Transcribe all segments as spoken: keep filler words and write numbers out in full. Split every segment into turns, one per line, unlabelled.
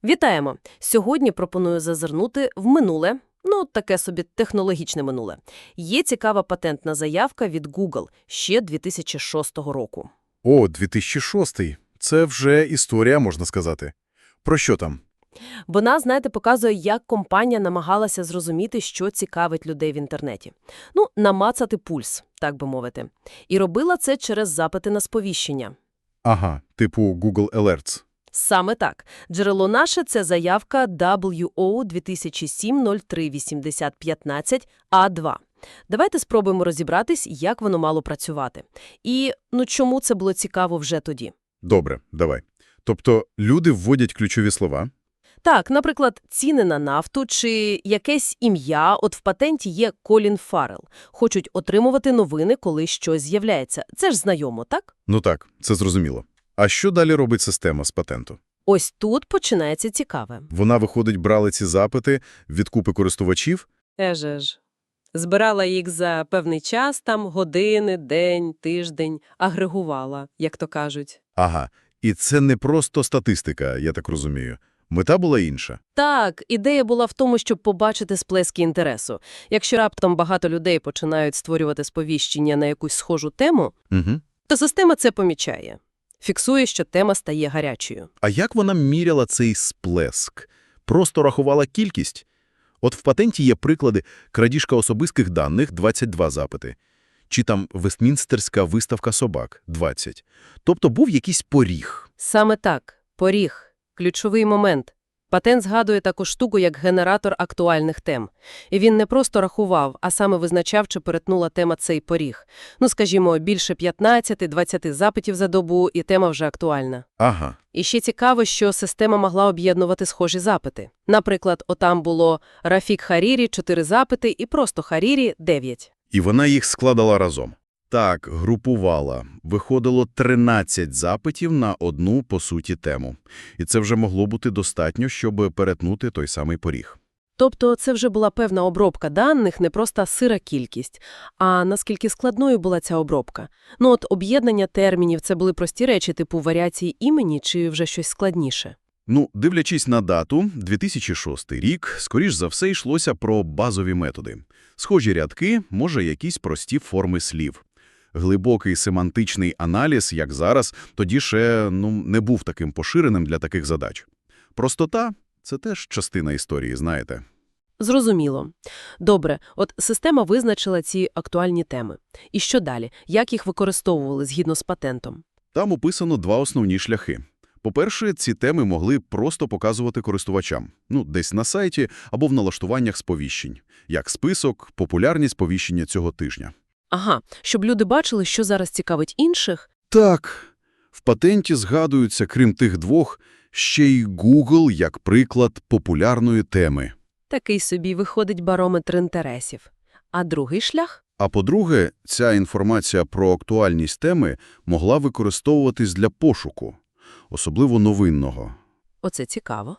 Вітаємо! Сьогодні пропоную зазирнути в минуле, ну, таке собі технологічне минуле. Є цікава патентна заявка від Google ще дві тисячі шостого року.
О, дві тисячі шостий. Це вже історія, можна сказати. Про що там?
Вона, знаєте, показує, як компанія намагалася зрозуміти, що цікавить людей в інтернеті. Ну, намацати пульс, так би мовити. І робила це через запити на сповіщення.
Ага, типу Google Alerts.
Саме так. Джерело наше – це заявка дабл ю о дві тисячі сім нуль три вісімдесят п'ятнадцять а два. Давайте спробуємо розібратись, як воно мало працювати. І, ну, чому це було цікаво вже тоді.
Добре, давай. Тобто люди вводять ключові слова?
Так, наприклад, ціни на нафту чи якесь ім'я, от в патенті є Колін Фаррелл. Хочуть отримувати новини, коли щось з'являється. Це ж знайомо, так?
Ну так, це зрозуміло. А що далі робить система з патенту?
Ось тут починається цікаве.
Вона, виходить, брала ці запити від купи користувачів?
Еже ж. Збирала їх за певний час, там години, день, тиждень, агрегувала, як то кажуть.
Ага, і це не просто статистика, я так розумію. Мета була інша.
Так, ідея була в тому, щоб побачити сплески інтересу. Якщо раптом багато людей починають створювати сповіщення на якусь схожу тему,
Угу.
то система це помічає. Фіксує, що тема стає гарячою.
А як вона міряла цей сплеск? Просто рахувала кількість? От в патенті є приклади: крадіжка особистих даних – двадцять два запити. Чи там Вестмінстерська виставка собак – двадцять. Тобто був якийсь поріг.
Саме так. Поріг. Ключовий момент. Патент згадує таку штуку, як генератор актуальних тем. І він не просто рахував, а саме визначав, чи перетнула тема цей поріг. Ну, скажімо, більше п'ятнадцять-двадцять запитів за добу, і тема вже актуальна.
Ага.
І ще цікаво, що система могла об'єднувати схожі запити. Наприклад, отам було Рафік Харірі – чотири запити і просто Харірі – дев'ять.
І вона їх складала разом. Так, групувала. Виходило тринадцять запитів на одну, по суті, тему. І це вже могло бути достатньо, щоб перетнути той самий поріг.
Тобто це вже була певна обробка даних, не просто сира кількість. А наскільки складною була ця обробка? Ну от об'єднання термінів – це були прості речі типу варіації імені чи вже щось складніше?
Ну, дивлячись на дату, дві тисячі шостий рік, скоріш за все йшлося про базові методи. Схожі рядки, може, якісь прості форми слів. Глибокий семантичний аналіз, як зараз, тоді ще ну, не був таким поширеним для таких задач. Простота – це теж частина історії, знаєте.
Зрозуміло. Добре, от система визначила ці актуальні теми. І що далі? Як їх використовували згідно з патентом?
Там описано два основні шляхи. По-перше, ці теми могли просто показувати користувачам. Ну, десь на сайті або в налаштуваннях сповіщень. Як список, популярні сповіщення цього тижня.
Ага, щоб люди бачили, що зараз цікавить інших?
Так, в патенті згадуються, крім тих двох, ще й Google як приклад популярної теми.
Такий собі виходить барометр інтересів. А другий шлях?
А по-друге, ця інформація про актуальність теми могла використовуватись для пошуку, особливо новинного.
Оце цікаво.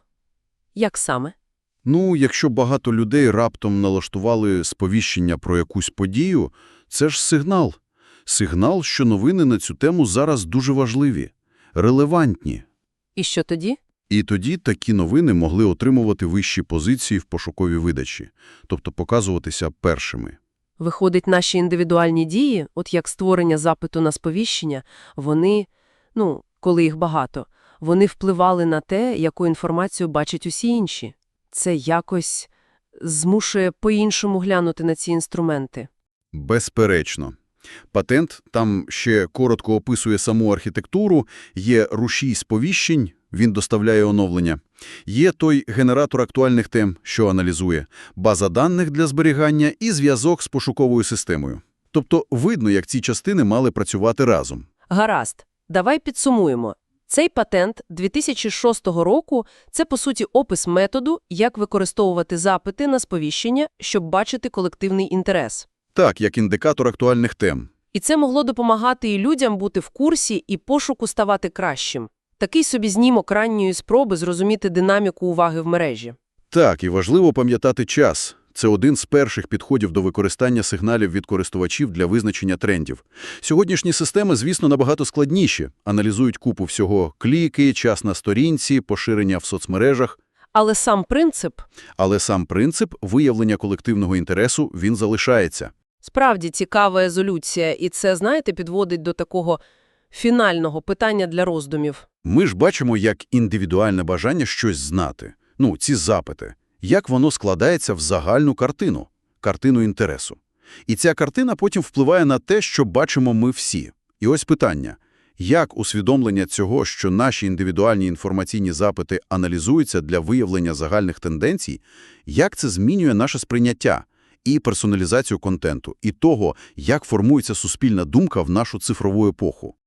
Як саме?
Ну, якщо багато людей раптом налаштували сповіщення про якусь подію, це ж сигнал. Сигнал, що новини на цю тему зараз дуже важливі, релевантні.
І що тоді?
І тоді такі новини могли отримувати вищі позиції в пошуковій видачі, тобто показуватися першими.
Виходить, наші індивідуальні дії, от як створення запиту на сповіщення, вони, ну, коли їх багато, вони впливали на те, яку інформацію бачать усі інші. Це якось змушує по-іншому глянути на ці інструменти.
Безперечно. Патент там ще коротко описує саму архітектуру, є рушій сповіщень, він доставляє оновлення. Є той генератор актуальних тем, що аналізує, база даних для зберігання і зв'язок з пошуковою системою. Тобто видно, як ці частини мали працювати разом.
Гаразд, давай підсумуємо. Цей патент дві тисячі шостого року – це, по суті, опис методу, як використовувати запити на сповіщення, щоб бачити колективний інтерес.
Так, як індикатор актуальних тем.
І це могло допомагати і людям бути в курсі, і пошуку ставати кращим. Такий собі знімок ранньої спроби зрозуміти динаміку уваги в мережі.
Так, і важливо пам'ятати час. Це один з перших підходів до використання сигналів від користувачів для визначення трендів. Сьогоднішні системи, звісно, набагато складніші. Аналізують купу всього – кліки, час на сторінці, поширення в соцмережах.
Але сам принцип,
Але сам принцип виявлення колективного інтересу, він залишається.
справді цікава резолюція, і це, знаєте, підводить до такого фінального питання для роздумів.
Ми ж бачимо, як індивідуальне бажання щось знати. Ну, ці запити. Як воно складається в загальну картину, картину інтересу. І ця картина потім впливає на те, що бачимо ми всі. І ось питання. Як усвідомлення цього, що наші індивідуальні інформаційні запити аналізуються для виявлення загальних тенденцій, як це змінює наше сприйняття і персоналізацію контенту, і того, як формується суспільна думка в нашу цифрову епоху?